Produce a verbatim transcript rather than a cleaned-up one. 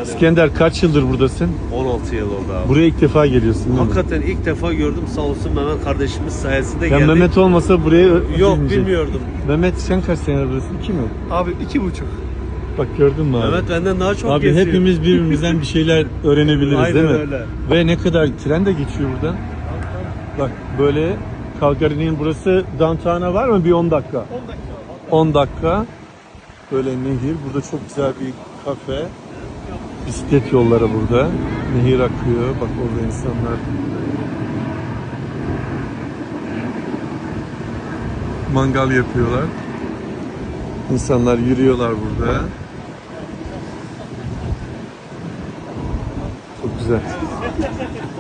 İskender kaç yıldır buradasın? on altı yıl oldu abi. Buraya ilk defa geliyorsun değil mi? Hakikaten ilk defa gördüm, sağ olsun Mehmet kardeşimiz sayesinde Ya geldik. Mehmet olmasa buraya Yok, bilmeyecek. bilmiyordum. Mehmet sen kaç senedir buradasın? İki mi? Abi iki buçuk. Bak gördün mü abi? Mehmet benden daha çok Abi geziyor. hepimiz birbirimizden bir şeyler öğrenebiliriz Aynen değil mi? öyle. Ve ne kadar tren de geçiyor buradan. Bak böyle Calgary'nin burası downtown'a var mı? Bir on dakika. on dakika. on dakika. Böyle nehir. Burada çok güzel bir kafe. Bisiklet yolları burada. Nehir akıyor. Bak orada insanlar mangal yapıyorlar. İnsanlar yürüyorlar burada. Çok güzel.